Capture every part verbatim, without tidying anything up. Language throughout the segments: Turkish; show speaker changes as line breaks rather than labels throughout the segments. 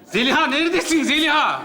Zeliha neredesin Zeliha?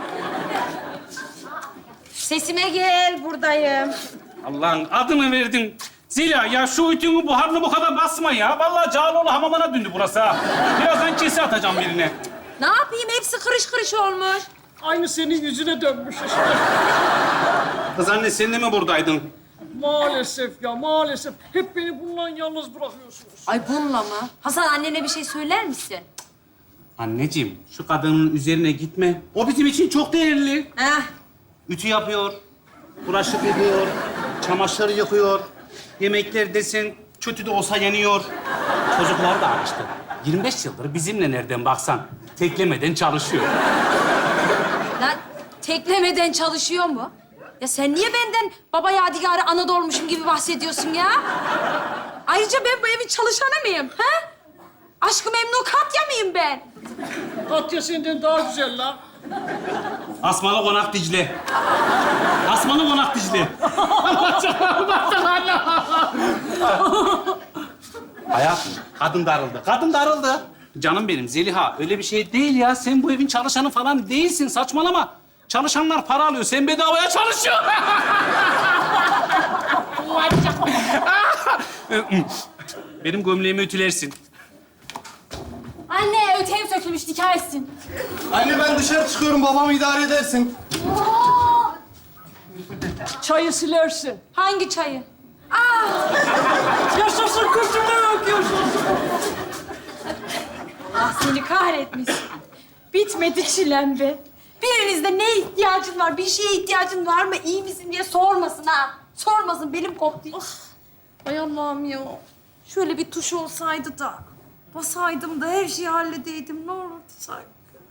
Sesime gel, buradayım.
Allah'ın adını verdin. Zeliha ya şu ütünü buharını bu kadar basma ya. Vallahi Cağaloğlu hamamına döndü burası ha. Birazdan kese atacağım birine.
Ne yapayım? Hepsi kırış kırış olmuş.
Aynı senin yüzüne dönmüş işte.
Kız anne sen de mi buradaydın?
Maalesef ya, maalesef. Hep beni bununla yalnız bırakıyorsunuz.
Ay bununla mı? Hasan annene bir şey söyler misin?
Anneciğim şu kadının üzerine gitme. O bizim için çok değerli.
Heh.
Ütü yapıyor, bulaşık yıkıyor, çamaşır yıkıyor. Yemekler desen kötü de olsa yeniyor. Çocuklar da açtı. yirmi beş yıldır bizimle nereden baksan teklemeden çalışıyor.
Lan teklemeden çalışıyor mu? Ya sen niye benden baba yadigarı ana doğurmuşum gibi bahsediyorsun ya? Ayrıca ben bu evin çalışanı mıyım? Ha? Aşkı memnu Katya mıyım ben?
Katya senden daha güzel lan.
Asmalı Konak Dicle. Asmalı Konak Dicle. Allah Hayatım, kadın darıldı. Kadın darıldı. Canım benim Zeliha, öyle bir şey değil ya. Sen bu evin çalışanı falan değilsin. Saçmalama. Çalışanlar para alıyor. Sen bedavaya çalışıyorsun. Benim gömleğimi ütülersin.
Anne öteyim sökülmüş nikah etsin.
Anne ben dışarı çıkıyorum, babamı idare edersin.
Çayı silersin.
Hangi çayı?
Yaşasın kızım, yok yaşasın.
Ah seni kahretmiş. Bitmedi çilem be. Birinizde ne ihtiyacın var, bir şeye ihtiyacın var mı, iyi misin diye sormasın ha. Sormasın, belim koptu. Ah. Ay Allah'ım ya. Şöyle bir tuş olsaydı da basaydım da her şeyi halledeydim. Ne olurdu sanki?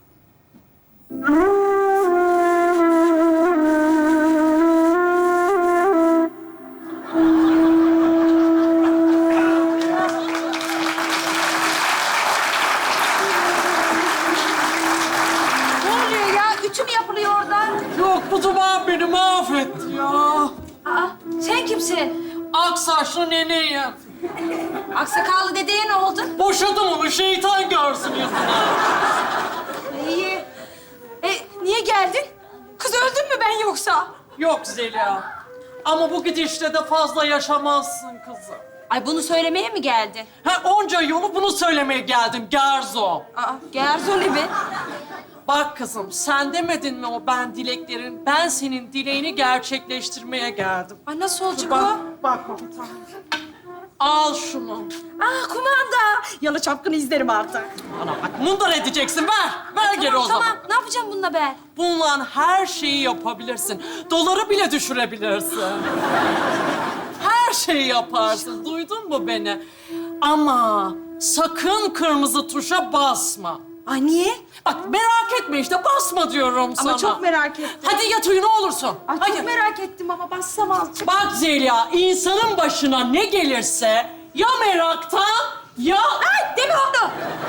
Ne oluyor ya? Ütü mü yapılıyor orada?
Yok, bu duman beni mahvetti ya.
Aa, sen kimsin?
Ak saçlı neneyim.
Aksakallı dedeye ne oldu?
Boşadım onu, şeytan görsün yüzüne.
İyi. E, niye geldin? Kız öldün mü ben yoksa?
Yok Zeliha. Ama bu gidişle de fazla yaşamazsın kızım.
Ay bunu söylemeye mi geldin?
Ha, onca yolu bunu söylemeye geldim Gerzo.
Aa, Gerzoli be.
Bak kızım, sen demedin mi o ben dileklerin, ben senin dileğini gerçekleştirmeye geldim.
Ay nasıl olacak
Bak,
o?
bak komutan. Al şunu.
Aa kumanda. Yalı çapkını izlerim artık.
Bana bak, mundar edeceksin. Ver, ver geri
Tamam
o
tamam.
zaman.
Ne yapacağım bununla ben?
Bununla her şeyi yapabilirsin. Doları bile düşürebilirsin. Her şeyi yaparsın. Duydun mu beni? Ama sakın kırmızı tuşa basma.
Ay niye?
Bak merak etme işte, basma diyorum sana.
Ama çok merak ettim.
Hadi yat uyu ne olursun.
Ay
Hadi.
çok merak ettim ama bassam azıcık.
Bak Zeliha, insanın başına ne gelirse ya meraktan ya...
Ay deme onu.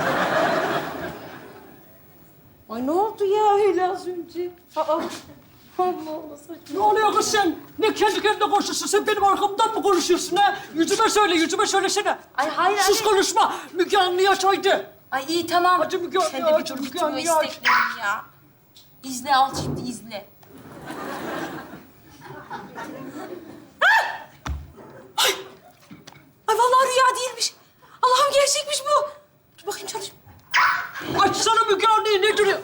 Ay ne oldu ya öyle az önce? Aa. Allah Allah saçma.
Ne oluyor kız sen? Ne kendi kendine konuşuyorsun? Sen benim arkamdan mı konuşuyorsun ha? Yüzüme söyle, yüzüme söylesene.
Ay hayır
Sus
anne.
konuşma. Müge Anlı'yı aç haydi.
Ay iyi tamam.
Hadi Müge
Sen
Anlı'yı
de bir
aç,
dur
Müge
bitmiyor
Anlı'yı aç.
isteklerim ya. İzle al şimdi izle. Ah! Ay! Ay vallahi rüya değilmiş. Allah'ım gerçekmiş bu. Dur bakayım çalış.
Açsana Müge Anlı'yı, ne duruyor?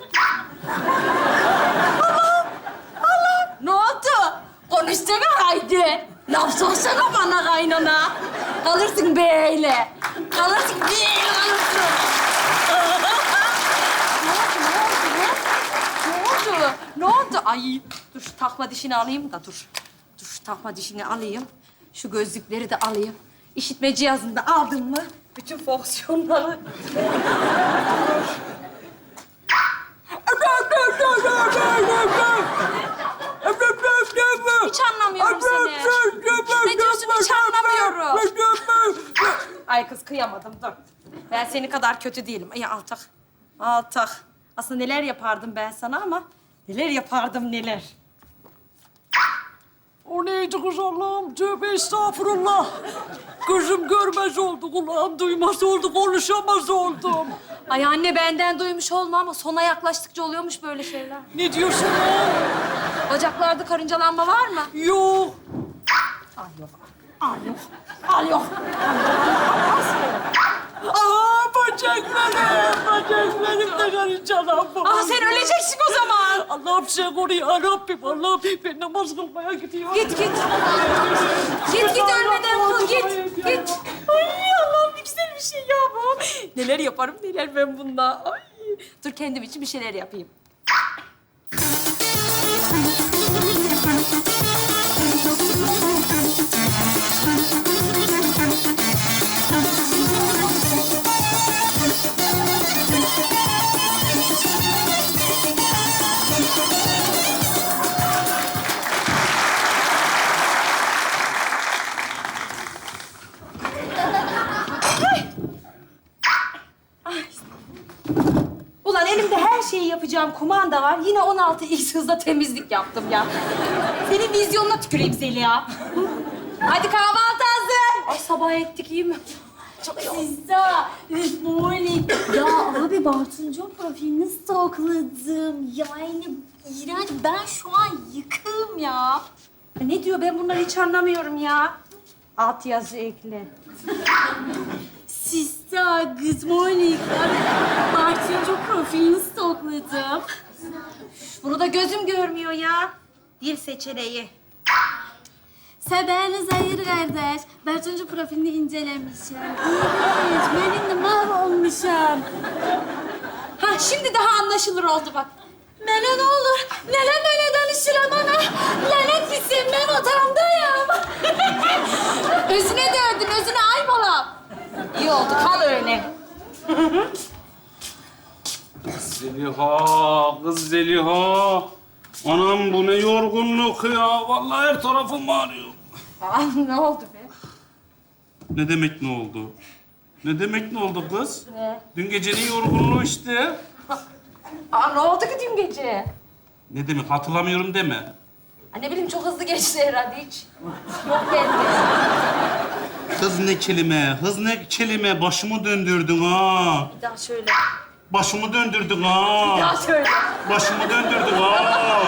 Ne oldu? Konuşsana haydi. Laf sorsana bana kaynana. Kalırsın böyle. Kalırsın böyle kalırsın. Ne oldu, ne oldu, ne? Ne oldu? Ne oldu? Ay dur şu takma dişini alayım da dur. Dur şu takma dişini alayım. Şu gözlükleri de alayım. İşitme cihazını da aldın mı? Bütün fonksiyonları... Hiç anlamıyorum seni. Ne diyorsun hiç anlamıyorum. Ay kız kıyamadım dur. Ben seni kadar kötü değilim. Ay altak. Altak. Aslında neler yapardım ben sana ama neler yapardım neler.
O neydi kız Allah'ım? Tövbe estağfurullah. Gözüm görmez oldu, kulağım duymaz oldu, konuşamaz oldum.
Ay anne benden duymuş olma ama sona yaklaştıkça oluyormuş böyle şeyler.
Ne diyorsun lan?
Bacaklarda karıncalanma var mı?
Yok.
Al yok. Al yok. Al yok.
Aa bacaklarım, bacaklarım da karıncalanma.
Ah sen öleceksin o zaman.
Allah'ım sen koru ya Rabbim. Allah'ım ben namaz kılmaya gidiyorum.
Git git. Git git ölmeden kıl git. Git. Ay Allah'ım ne güzel bir şey ya bu. Neler yaparım neler ben bunda. Ay. Dur kendim için bir şeyler yapayım. Ulan elimde her şeyi yapacağım kumanda var. Yine on altı x hızla temizlik yaptım ya. Senin vizyonuna tüküreyim Zeliha. Hadi kahvaltı hazır. Ay sabah ettik iyi mi? Çok iyi oldu.
Sizda, good morning. Ya abi Bartuncuk profilini stalkladım. Yani iğrenç. Ben şu an yıkığım ya.
Ne diyor ben bunları hiç anlamıyorum ya. Alt yazı ekle.
Sizda, good morning. Abi Bartuncuk profilini stalkladım.
Bunu da gözüm görmüyor ya. Dil seçeneği.
Seberiniz hayır kardeş. Bartuncuk profilini incelemişim. İğrenç. Ben de mahvolmuşum.
Ha şimdi daha anlaşılır oldu bak. Mene ne olur, nene böyle danışıram ana. Lanet gitsin, ben otağımdayım. Özüne döndün, özüne ay balam. İyi oldu, kal öyle.
Zeliha, kız Zeliha. Anam bu ne yorgunluk ya. Vallahi her tarafım ağrıyor.
Aa, ne oldu be?
Ne demek ne oldu? Ne demek ne oldu kız?
Ne?
Dün gecenin yorgunluğu işte.
Aa, ne oldu ki dün gece?
Ne demek hatırlamıyorum deme.
Aa, ne bileyim çok hızlı geçti herhalde hiç. Yok bende.
Kız ne kelime, hız ne kelime. Başımı döndürdün ha.
Bir daha söyle.
Başımı döndürdün
Bir daha
ha.
söyle.
Başımı döndürdün ha.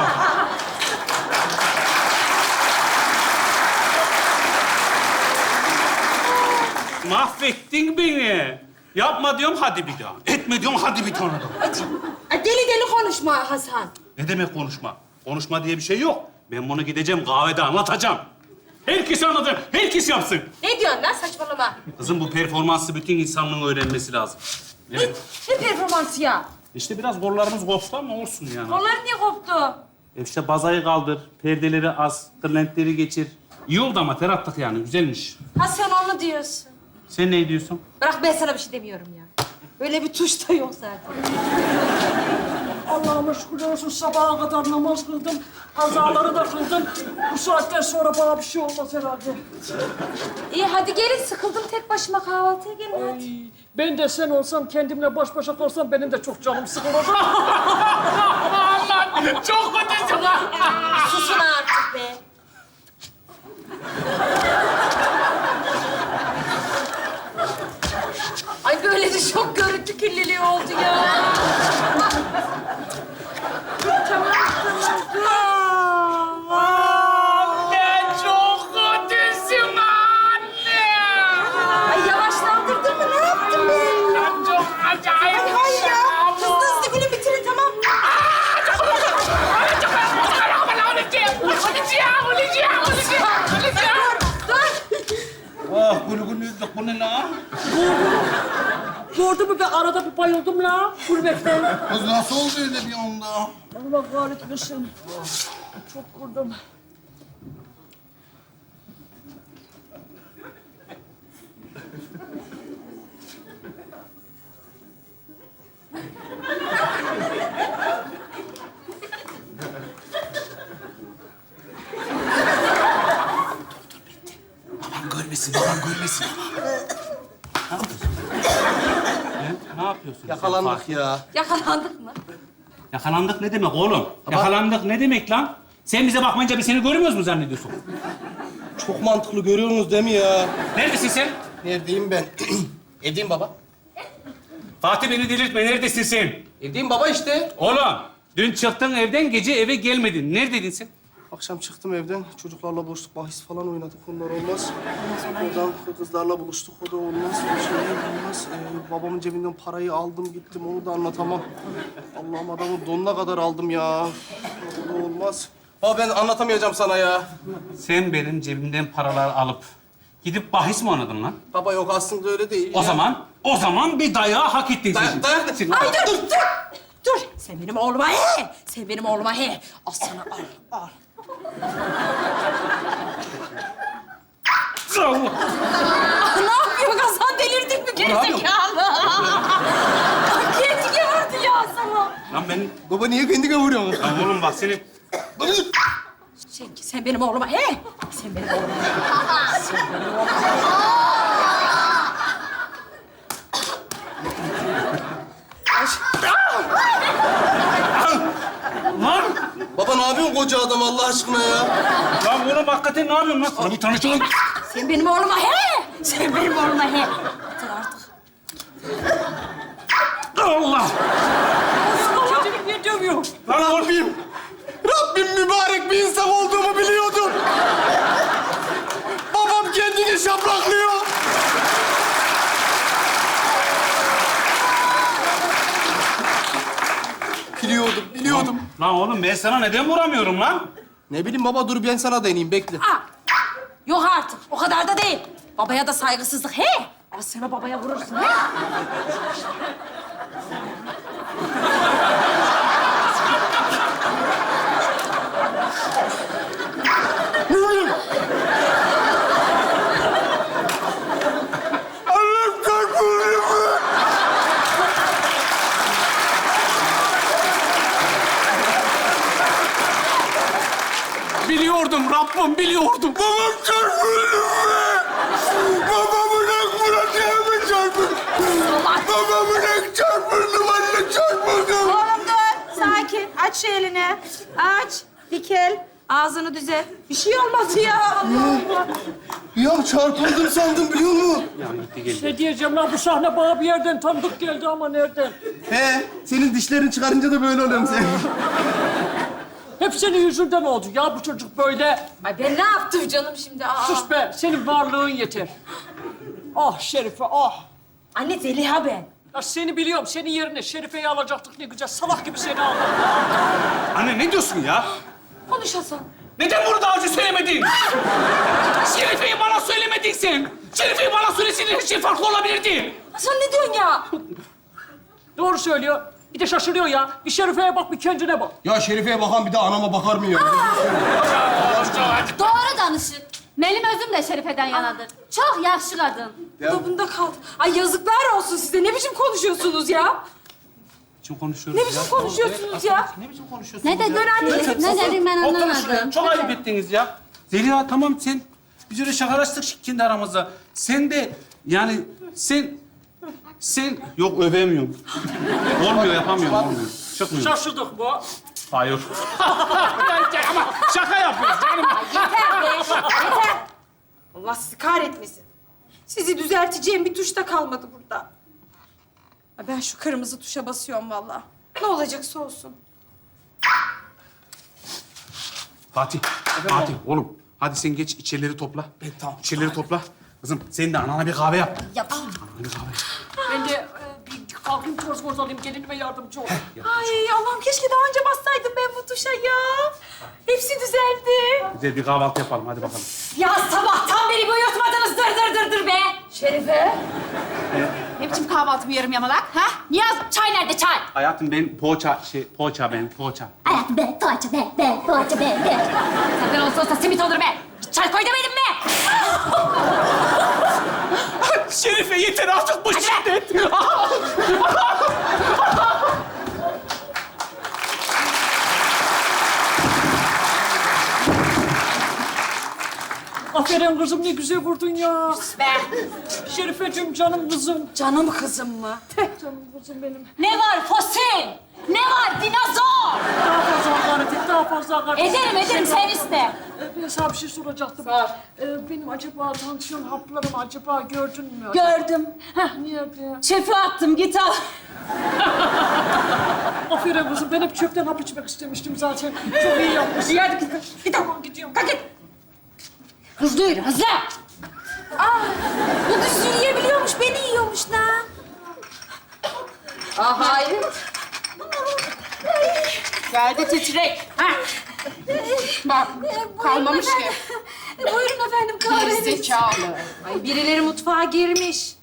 Mahvettin beni. Yapma diyorum hadi bir daha. Etme diyorum hadi bir tane daha.
Aa, deli deli konuşma Hasan.
Ne demek konuşma? Konuşma diye bir şey yok. Ben bunu gideceğim kahvede anlatacağım. Herkes anlatır, herkes yapsın.
Ne diyorsun lan saçmalama?
Kızım bu performansı bütün insanlığın öğrenmesi lazım. Evet.
Ne performansı ya?
İşte biraz kollarımız koptu ama olsun yani.
Kollar niye koptu?
E işte bazayı kaldır, perdeleri az, kırlentleri geçir. İyi oldu ama ter attık yani, güzelmiş.
Ha sen onu diyorsun.
Sen ne diyorsun?
Bırak ben sana bir şey demiyorum ya. Böyle bir tuş da yok zaten.
Allah'ıma şükürler olsun sabaha kadar namaz kıldım. Kazaları da kıldım. Bu saatten sonra bana bir şey olmaz herhalde.
İyi hadi gelin sıkıldım tek başıma kahvaltıya gelin hadi.
Ay, ben de sen olsam, kendimle baş başa kalsam benim de çok canım sıkılır.
Çok kötüsün ha!
Susun artık be. Ay böyle de çok görüntü kirliliği oldu ya. Tamam tamam.
Anne çok kötüsün anne!
Ay yavaşlandırdın mı? Ne yaptın be?
Çok acayip.
Ay hayır ya. Hızlı hızlı gülün bitirin tamam.
Ah gülgünlüydük bu ne lan?
Gördün mü ben arada bir bayıldım la gurbetten.
Kız nasıl oldu öyle bir anda?
Allah kahretmesin. Çok kurdum.
Babam görmesin, babam görmesin. Ne yapıyorsun? Ne, ne yapıyorsun?
Yakalandık ya.
Yakalandık mı?
Yakalandık ne demek oğlum? Yakalandık ne demek lan? Sen bize bakmayınca biz seni görmüyoruz mu zannediyorsun?
Çok mantıklı görüyorsunuz değil mi ya?
Neredesin sen?
Neredeyim ben? Evdeyim baba.
Fatih beni delirtme. Neredesin sen?
Evdeyim baba işte.
Oğlum, dün çıktın evden, gece eve gelmedin. Neredeydin sen?
Akşam çıktım evden. Çocuklarla buluştuk. Bahis falan oynadık. Onlar olmaz. Oradan kızlarla buluştuk. O da olmaz. Bir şey olmaz. Ee, babamın cebinden parayı aldım gittim. Onu da anlatamam. Allah'ım adamın donuna kadar aldım ya. O da olmaz. Baba ben anlatamayacağım sana ya.
Sen benim cebimden paralar alıp gidip bahis mi oynadın lan?
Baba yok aslında öyle değil.
O
ya.
zaman, o zaman bir dayağı hak ettin sen.
Dayak, dayak.
Sen-
Ay dur, dur, dur. Sen benim oğluma he. Sen benim oğluma he. Al sana al, al.
Allah!
Ah, ne yapıyorsun Hasan? Delirdin mi gerizekalı? Kendine vurdu ya sana.
Lan ben...
Baba niye kendine vuruyorsun?
Lan oğlum bak seni...
Sen, sen benim oğluma he. Sen benim oğluma he. Sen benim oğluma
Lan!
Baba ne yapıyorsun koca adam Allah aşkına ya?
Lan oğlum hakikaten ne yapıyorsun lan? Sana bir tanışalım.
Sen benim oğluma he. Sen benim oğluma he. Yeter artık.
Allah!
Çocuk niye dövüyor?
Lan Rabbim! Rabbim mübarek bir insan olduğumu biliyordum. Babam kendini şaplaklıyor. Biliyordum, biliyordum.
Lan oğlum ben sana neden vuramıyorum lan?
Ne bileyim baba dur ben sana deneyeyim bekle.
Aa, yok artık. O kadar da değil. Babaya da saygısızlık he. Az sonra babaya vurursun he.
Allah'ım çarpılıyor mu?
Biliyordum Rabbim, biliyordum.
Babam çarpıldı mı? Babamın ak bırakıyor çarpıldı? Babamın ak çarpıldı, anne çarpıldı.
Oğlum dur. Sakin. Aç şu elini. Aç. Dikel. Ağzını düzelt. Bir şey olmadı ya. Allah Allah.
Ya çarpıldım sandım biliyor musun?
Ya gitti geldi.
Ne diyeceğim lan bu sahne bana bir yerden tanıdık geldi ama nereden?
He, senin dişlerin çıkarınca da böyle oluyorum sen.
Hep senin yüzünden oldu ya bu çocuk böyle.
Ay ben ne yaptım canım şimdi? Aa.
Sus be, senin varlığın yeter. Ah Şerife, ah.
Anne Zeliha ben.
Ya seni biliyorum, senin yerine Şerife'yi alacaktık ne güzel. Salak gibi seni aldık.
Anne ne diyorsun ya?
Konuş Hasan.
Neden bunu daha önce söylemedin? Şerife'yi bana söylemedin sen. Şerife'yi bana söyleseydin her şey farklı olabilirdi.
Hasan ne diyorsun ya?
Doğru söylüyor. Bir de şaşırıyor ya. Bir Şerife'ye bak, bir kendine bak.
Ya Şerife'ye bakan bir de anama bakar mı ya?
Doğru danışın. Benim özüm de Şerife'den yanadır. Çok yaşlı kadın.
Bu da bunda kaldı. Ay yazıklar olsun size. Ne biçim konuşuyorsunuz ya?
Kim konuşuyoruz
Ne biçim konuşuyorsunuz ya?
Ne biçim konuşuyorsunuz
Ne dedin anne? Ne dedim ben
Oturun şuraya.
anlamadım.
Çok ayıp ettiniz ya. Zeliha tamam sen... Biz öyle şakalaştık kendi aramızda. Sen de yani sen... Sen... Yok övemiyorum. Olmuyor yapamıyorum olmuyor. Çıkmıyor.
Şaşırdık bu.
Hayır. Ama şaka yapıyoruz canım.
Yeter be. Yeter. Allah sizi kahretmesin. Sizi düzelteceğim bir tuş da kalmadı burada. Ay, ben şu kırmızı tuşa basıyorum vallahi. Ne olacaksa olsun.
Fatih, Fatih oğlum. Hadi sen geç içerileri topla. Ben tamam. İçerileri topla. Kızım sen de anana bir kahve yap.
Yapayım.
Anana bir kahve yap.
Ben de e, bir kalkayım toz moz alayım, gelinime yardımcı ol.
Ay Allah'ım keşke daha önce bassaydım ben bu tuşa ya. Hepsi düzeldi.
Güzel bir kahvaltı yapalım hadi bakalım.
Ya sabahtan beri uyutmadınız dır dır dır dır be. Şerife.
Ne biçim kahvaltı bu yarım yamalak? Ha? Niyaz, çay nerede çay?
Hayatım ben poğaça, şey poğaça ben poğaça.
Hayatım be, poğaça be, be, poğaça be, be. Senden olsa olsa simit olur be. Çay koy demedim mi?
Şerife yeter artık bu
Hadi be.
şiddet.
Aferin Aferin kızım, ne güzel vurdun ya.
Be.
Şerifeciğim, canım kızım.
Canım kızım mı?
Canım kızım benim.
Ne var fosil? Ne var dinozor?
Daha fazla hakaret et, daha fazla hakaret et.
Ederim ederim sen iste.
Ee, Ben sana bir şey soracaktım. Ee, benim acaba tansiyon haplarımı acaba gördün mü?
Gördüm. Heh,
Nerede?
çöpe attım git al.
Aferin kızım, ben hep çöpten hap içmek istemiştim zaten. Çok iyi yapmışsın.
Hadi git. Git al.
Gidiyorum.
Kalk git. Hızlı yürü hızlı. Aa, bu düz yürüyebiliyormuş beni yiyormuş lan. Aa hayır. Geldi titrek. Ha. Bak kalmamış ki. Buyurun efendim kahveniz. Gerizekalı. Ay birileri mutfağa girmiş.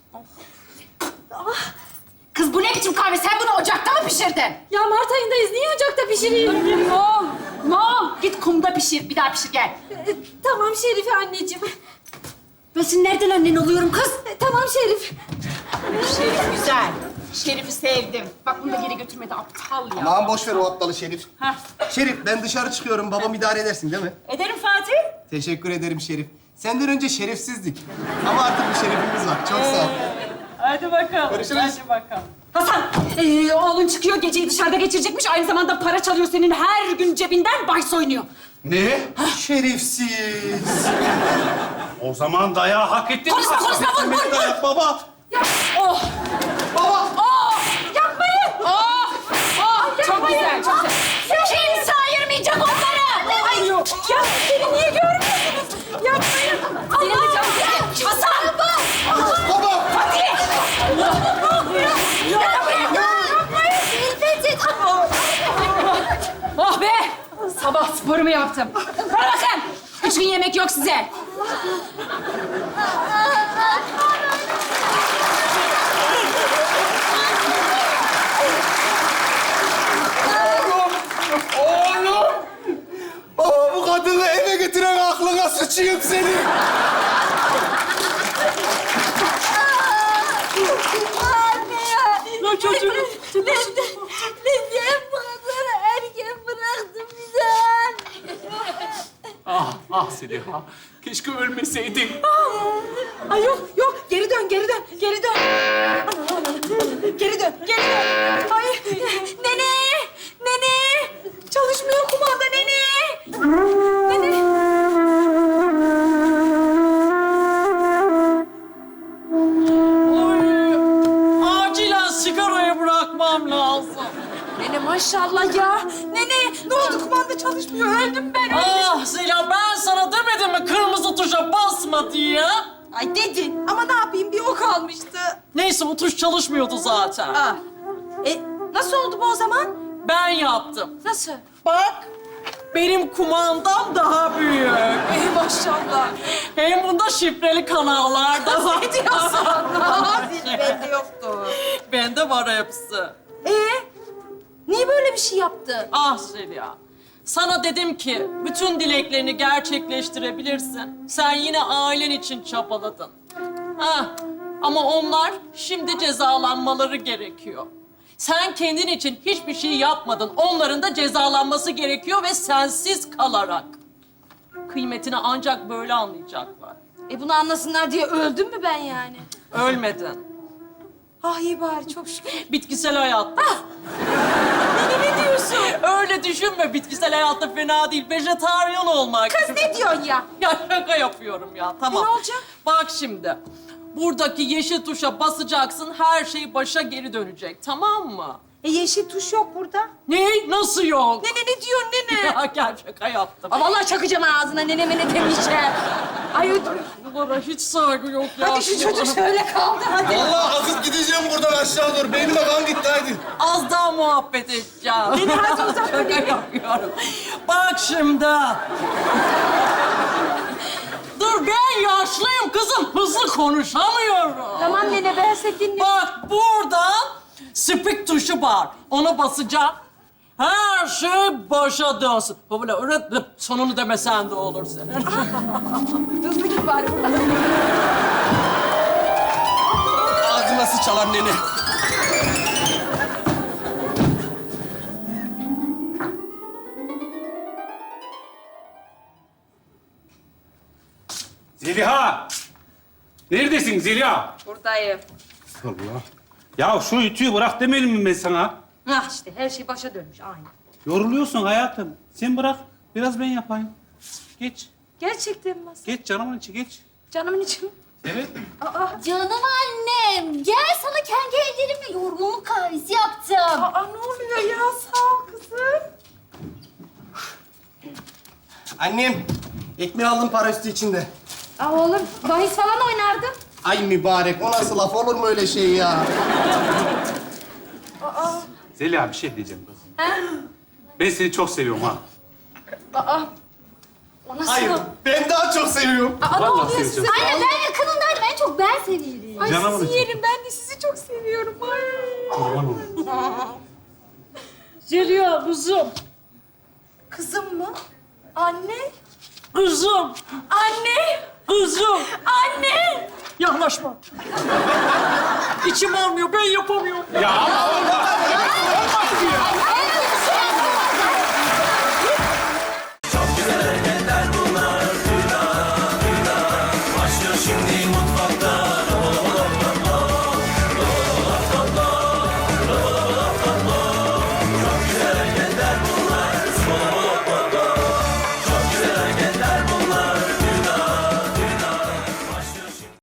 Kız bu ne biçim kahve? Sen bunu ocakta mı pişirdin?
Ya Mart ayındayız. Niye ocakta pişireyim?
Mol, mol. Git kumda pişir. Bir daha pişir gel.
E, tamam Şerife anneciğim.
Ben senin nereden annen oluyorum kız?
E, tamam Şerif.
Şerif güzel. Şerif'i sevdim. Bak bunu da geri götürmedi aptal ya.
Aman boş ver o aptalı Şerif.
Heh.
Şerif ben dışarı çıkıyorum. Babam idare edersin değil mi?
Ederim Fatih.
Teşekkür ederim Şerif. Senden önce şerefsizdik. Ama artık bir şerefimiz var. Çok sağ ol.
Hadi bakalım.
Görüşürüz.
Hadi bakalım.
Hasan, ee, oğlun çıkıyor geceyi dışarıda geçirecekmiş. Aynı zamanda para çalıyor senin her gün cebinden bahis oynuyor.
Ne? Şerefsiz.
O zaman dayağı hak ettin.
Konuşma konuşma vur vur vur.
Dayak baba.
Oh,
Baba.
oh. Yapmayın. Oh, oh. Çok güzel, çok güzel. Kimse ayırmayacak onları. Ay, ya beni niye görmüyorsunuz? Yapmayın. Senin de canım sıkın. Hasan.
Baba.
Fatih. Oh be! Sabah sporumu yaptım. Bana bakın! Üç gün yemek yok size.
Oğlum. Baba bu kadını eve getiren aklına sıçayım seni.
Lan çocuğum.
Neden bu kadar erken bıraktın bizi?
Ah, ah Seliha. Keşke ölmeseydin.
Ay yok, yok. Geri dön, geri dön, geri dön. Geri dön, geri dön. Ay, nene, nene. Çalışmıyor kumanda nene. Nene.
Oy, acilen sigarayı bırakmam lazım.
Nene maşallah ya. Nene, ne oldu kumanda çalışmıyor? Öldüm ben.
Ah Zeliha, ben sana demedim mi kırmızı tuşa basma diye?
Ay dedin ama ne yapayım bir o kalmıştı.
Neyse, o tuş çalışmıyordu zaten.
Aa. E nasıl oldu bu o zaman?
Ben yaptım.
Nasıl?
Bak, benim kumandam daha büyük.
Ey maşallah.
Hem bunda şifreli kanallar da var.
Ne diyorsun? Bende yoktu.
Bende var hepsi.
Ee, niye böyle bir şey yaptı?
Ah Zeliha, sana dedim ki bütün dileklerini gerçekleştirebilirsin. Sen yine ailen için çabaladın. Ah, ama onlar şimdi cezalanmaları gerekiyor. Sen kendin için hiçbir şey yapmadın. Onların da cezalanması gerekiyor ve sensiz kalarak. Kıymetini ancak böyle anlayacaklar.
E bunu anlasınlar diye öldüm mü ben yani?
Ölmedin.
Ah iyi bari çok şükür.
Bitkisel hayatta.
Ne, ne diyorsun?
Öyle düşünme, bitkisel hayatta fena değil. Vejetaryen olmak.
Kız ne diyorsun ya?
Ya şaka yapıyorum ya, tamam.
E, ne olacak?
Bak şimdi, buradaki yeşil tuşa basacaksın, her şey başa geri dönecek, tamam mı?
E yeşil tuş yok burada.
Ne? Nasıl yok?
Nene ne diyorsun nene?
Ya gel, şaka yaptım.
Aa, vallahi çakacağım ağzına nene mene demeyeceğim. Ay ödüm.
Bunlara hiç saygı yok ya.
Hadi şu çocuk şöyle kaldı hadi.
Vallahi akıp gideceğim buradan aşağı doğru. Beynime kan gitti hadi.
Az daha muhabbet edeceğim.
Beni hadi uzat
Şaka yapıyorum. Bak şimdi. Dur, ben yaşlıyım kızım. Hızlı konuşamıyorum.
Tamam nene ben seni dinliyorum.
Bak burada speak tuşu var. Ona basacağım. Her şey başa dönsün. Böyle öğretmen sonunu demesen de olur senin.
Hızlı git bari buradan.
Ağzıma sıçalan nene.
Neredesin Zeliha?
Buradayım.
Allah. Ya şu ütüyü bırak demedim mi ben sana?
Ah işte her şey başa dönmüş aynı.
Yoruluyorsun hayatım. Sen bırak. Biraz ben yapayım. Geç.
Gerçekten mi?
Geç canımın içi geç.
Canımın içi.
Evet.
Canım annem, gel sana kendi ellerimle yorgunluk kahvesi yaptım.
Aa ne oluyor ya? Sağ ol kızım.
Annem, ekmeği aldım para üstü içinde.
Aa oğlum bahis falan oynardın.
Ay mübarek, o nasıl laf olur mu öyle şey ya?
Zeliha bir şey diyeceğim kız. Ben seni çok seviyorum ha.
Aa. O nasıl?
Hayır, ben daha çok seviyorum.
Aa ne
Vallahi
oluyor
seni
size?
çok-
Anne ben yakınındaydım, en çok ben seviyorum.
Ay
Canımın
sizi
içi.
yerim. Ben de sizi çok seviyorum. Ay.
Kurban olayım.
Zeliha kızım,
Kızım mı? Anne.
kızım,
Anne.
kızım.
Anne.
Yaklaşma. İçim almıyor, ben yapamıyorum.
Ya Allah! Olmaz ki ya.